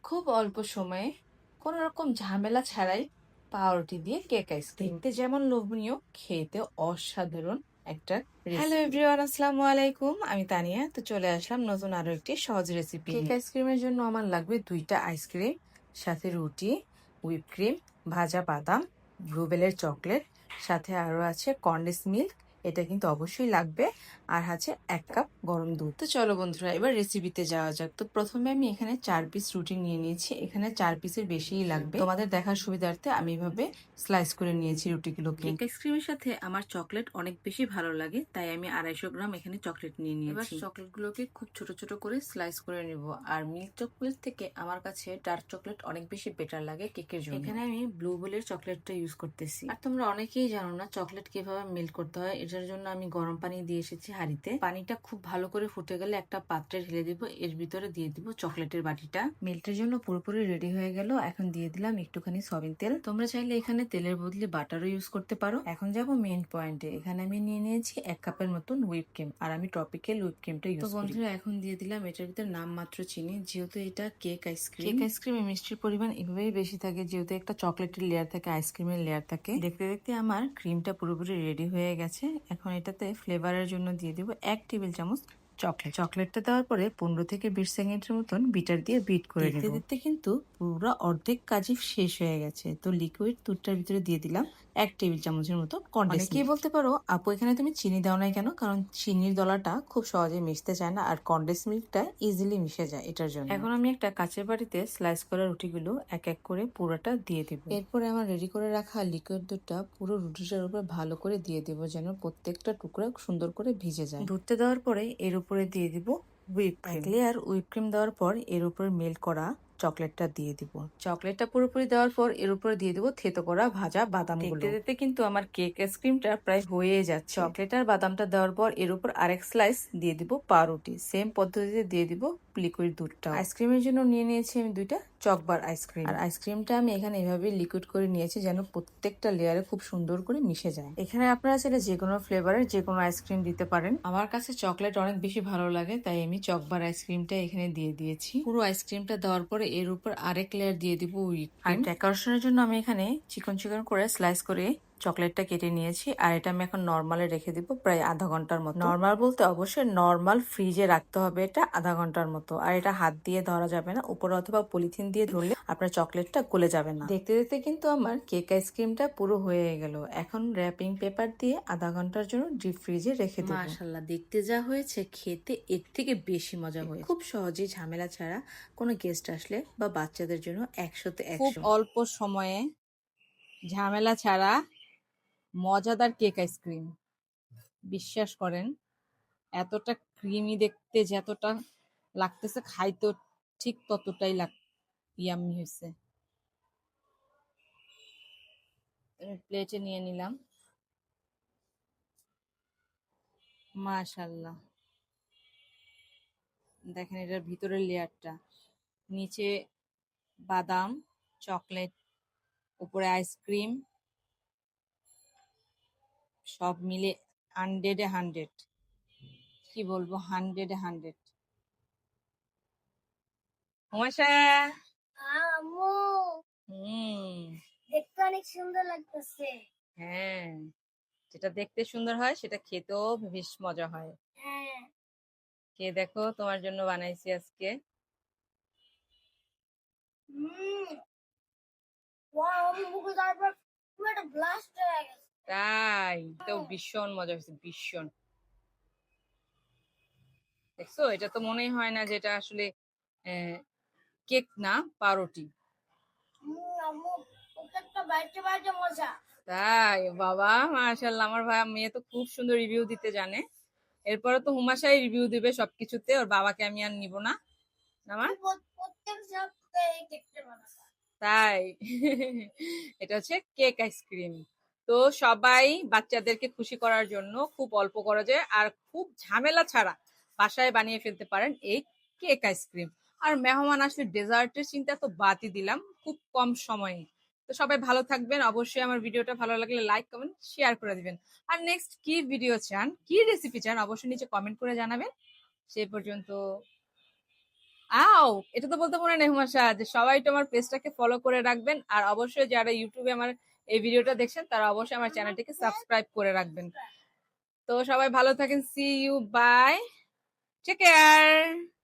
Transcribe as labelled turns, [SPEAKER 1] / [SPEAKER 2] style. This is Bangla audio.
[SPEAKER 1] খুব অল্প সময়ে কোনো রকম ঝামেলা ছাড়াই পাউরুটি দিয়ে কেক আইসক্রিম দেখতে যেমন লোভনীয়, খেতে অসাধারণ একটা হ্যালো এভরিওয়ান, আসসালামু আলাইকুম। আমি তানিয়া। তো চলে আসলাম নতুন আরো একটি সহজ রেসিপি। কেক আইসক্রিমের জন্য আমার লাগবে 2টা আইসক্রিম, সাথে রুটি, হুইপ ক্রিম, ভাজা বাদাম, ব্লুবেলের চকলেট, সাথে আরো আছে কন্ডেন্স মিল্ক, এটা কিন্তু অবশ্যই লাগবে, আর আছে 1 কাপ গরম দুধ। তো চলো বন্ধুরা, এবার রেসিপিতে যাওয়া যাক। তো প্রথমে আমি এখানে 4 পিস রুটি নিয়ে নিয়েছি। এখানে 4 পিসের বেশিই লাগবে। তোমাদের দেখার সুবিধার্থে আমি এভাবে স্লাইস করে নিয়েছি রুটিগুলোকে। কেক আইসক্রিমের সাথে আমার চকলেট অনেক বেশি ভালো লাগে, তাই আমি 250 গ্রাম এখানে চকলেট নিয়ে নিয়েছি। এবার চকলেটগুলোকে খুব ছোট ছোট করে স্লাইস করে নিব। আর মিল্ক চকলেট থেকে আমার কাছে ডার্ক চকলেট অনেক বেশি বেটার লাগে কেকের জন্য। এখানে আমি ব্লুবেলের চকলেটটা ইউজ করতেছি। আর তোমরা অনেকেই জানো না চকলেট কিভাবে মেল্ট করতে হয়। এটার জন্য আমি গরম পানি দিয়ে এসেছি হাঁড়িতে। পানিটা খুব ভালো করে ফুটে গেলে একটা পাত্রে ঢেলে দিব, এর ভিতরে দিয়ে দিব চকলেটের বাটিটা। মেল্টের জন্য পুরোপুরি রেডি হয়ে গেল। এখন দিয়ে দিলাম একটুখানি সয়াবিন তেল। তোমরা চাইলে এখানে তেলের বদলে বাটারও ইউজ করতে পারো। এখন যাব মেইন পয়েন্টে। এখানে আমি নিয়ে নিয়েছি 1 কাপের মতন হুইপ ক্রিম, আর আমি টপিক্যাল হুইপ ক্রিমটা ইউজ করি। তো বন্ধুরা, এখন দিয়ে দিলাম এটার ভিতরে নামমাত্র চিনি, যেহেতু এটা কেক আইসক্রিম। কেক আইসক্রিমে মিষ্টির পরিমাণ এভাবেই বেশি থাকে, যেহেতু একটা চকলেটের লেয়ার থাকে, আইসক্রিমের লেয়ার থাকে। দেখতে দেখতে আমার ক্রিমটা পুরোপুরি রেডি হয়ে গেছে। এখন এটাতে ফ্লেভারের জন্য দিয়ে দিব 1 টেবিল চামচ চকলেটটা দেওয়ার পরে 15 থেকে 20 সেকেন্ডের মতন বিটার দিয়ে বিট করে নিতে দিতে কিন্তু পুরো অর্ধেক কাজই শেষ হয়ে গেছে। তো লিকুইড দুধটার ভিতরে দিয়ে দিলাম 1 টেবিল চামচের মতো কন্ডেন্স মিল্ক। অনেকেই বলতে পারো, আপু এখানে তুমি চিনি দাও নাই কেন? কারণ চিনির দলাটা খুব সহজে মিশতে চায় না, আর কন্ডেন্স মিল্কটা ইজিলি মিশে যায় এটার জন্য। এখন আমি একটা কাচের বাটিতে স্লাইস করা রুটিগুলো এক এক করে পুরোটা দিয়ে দিব। এরপরে আমার রেডি করে রাখা লিকুইড দুধটা পুরো রুটিটার উপর ভালো করে দিয়ে দিব, যেন প্রত্যেকটা টুকরা সুন্দর করে ভিজে যায়। দুধটা দেওয়ার পরে এর উপরে দিয়ে দিব হুইপ ক্রিম। এক লেয়ার হুইপ ক্রিম দেওয়ার পর এর উপরে মেল্ট করা চকলেটটা দিয়ে দিব। চকলেটটা পুরোপুরি দেওয়ার পর এর উপরে দিয়ে দিব থেতো করা ভাজা বাদামগুলো। দেখতে দেখতে কিন্তু আমার কেক আইসক্রিমটা প্রায় হয়ে যাচ্ছে। চকলেট আর বাদামটা দেওয়ার পর এর উপর আরেক স্লাইস দিয়ে দিব পাউরুটি। সেম পদ্ধতিতে দিয়ে দিব লিকুইড দুধটা। আইসক্রিমের জন্য নিয়ে নিয়েছি আমি 2টা চকবার আইসক্রিম। আর আইসক্রিমটা আমি এখানে এভাবে লিকুইড করে নিয়েছি, যেন প্রত্যেকটা লেয়ারে খুব সুন্দর করে মিশে যায়। এখানে আপনারা চাইলে যে কোনো ফ্লেভারের যে কোনো আইসক্রিম দিতে পারেন। আমার কাছে চকলেট অনেক বেশি ভালো লাগে, তাই আমি চকবার আইসক্রিমটা এখানে দিয়ে দিয়েছি। পুরো আইসক্রিমটা দেওয়ার পরে এর উপর আরেক লেয়ার দিয়ে দিব হুইপ ক্রিম। আর ডেকোরেশনের জন্য আমি এখানে চিকন চিকন করে স্লাইস করে চকলেটটা কেটে নিয়েছি। আর এটা আমি এখন নর্মালে রেখে দিব প্রায় আধা ঘন্টার মতো। নর্মাল বলতে অবশ্যই নর্মাল ফ্রিজে রাখতে হবে এটা আধা ঘন্টার মতো। আর এটা হাত দিয়ে ধরা যাবে না, উপরে অথবা পলিথিন দিয়ে ধরলে আপনার চকলেটটা গলে যাবে না। দেখতে দেখতে কিন্তু আমার কেক আইসক্রিমটা পুরো হয়ে গেল। এখন র্যাপিং পেপার দিয়ে আধা ঘন্টার জন্য ডিপ ফ্রিজে রেখে দেব। মাশাআল্লাহ, দেখতে যা হয়েছে খেতে এর থেকে বেশি মজা হয়েছে। খুব সহজেই ঝামেলা ছাড়া কোনো গেস্ট আসলে বা বাচ্চাদের জন্য 100তে 100। খুব অল্প সময়ে ঝামেলা ছাড়া মজাদার কেক আইসক্রিম। বিশ্বাস করেন, এতটা ক্রিমি দেখতে যতটা লাগতেছে, খাইতেও ঠিক ততটাই ইয়াম্মি হয়েছে। প্লেটে নিয়ে নিলাম। মাশাল্লাহ, দেখেন এটার ভিতরের লেয়ারটা, নিচে বাদাম, চকলেট, উপরে আইসক্রিম, সব মিলে 100-এ 100। কি বলবো, 100-এ 100। হুমাশা,
[SPEAKER 2] আম্মু
[SPEAKER 1] হুম,
[SPEAKER 2] দেখতে অনেক সুন্দর লাগতেছে।
[SPEAKER 1] হ্যাঁ, যেটা দেখতে সুন্দর হয় সেটা খেতেও বেশ মজা হয়।
[SPEAKER 2] হ্যাঁ।
[SPEAKER 1] কে দেখো, তোমার জন্য বানাইছি আজকে।
[SPEAKER 2] হুম। ওয়াও, মুখে তারপর পুরো একটা ব্লাস্ট হয়ে গেছে।
[SPEAKER 1] তাই তো ভীষণ মজা হয়েছে, ভীষণ। দেখছো, এটা তো মনেই হয় না যেটা আসলে কেক না, পাউরুটি।
[SPEAKER 2] আম্মু প্রত্যেকটা বাইটে বাইটে মজা।
[SPEAKER 1] তাই বাবা, মাশাআল্লাহ, আমার ভাই মেয়ে তো খুব সুন্দর রিভিউ দিতে জানে। এরপরে তো হুমাশাই রিভিউ দিবে সবকিছুতে, ওর বাবাকে আমি আর নিব না। আমার
[SPEAKER 2] প্রত্যেক সপ্তাহে এই কেকটা বানাবো।
[SPEAKER 1] তাই এটা হচ্ছে কেক আইসক্রিম। তো সবাই বাচ্চাদেরকে খুশি করার জন্য খুব অল্প করা যায় আর খুব ঝামেলা ছাড়া বাসায় বানিয়ে ফেলতে পারেন এই কেক আইসক্রিম। আর মেহমান আসলে ডেজার্টের চিন্তা তো বাদই দিলাম, খুব কম সময়ে। তো সবাই ভালো থাকবেন। অবশ্যই আমার ভিডিওটা ভালো লাগলে লাইক কমেন্ট শেয়ার করে দিবেন। আর নেক্সট কি ভিডিও চান, কি রেসিপি চান, অবশ্যই নিচে কমেন্ট করে জানাবেন। সে পর্যন্ত আও এটা তো বলতে মনে নেই হুমাশা যে সবাই তো আমার পেজটাকে ফলো করে রাখবেন আর অবশ্যই যারা ইউটিউবে আমার এই ভিডিওটা দেখছেন তারা অবশ্যই আমার চ্যানেলটিকে সাবস্ক্রাইব করে রাখবেন। তো সবাই ভালো থাকেন, see you, bye, take care.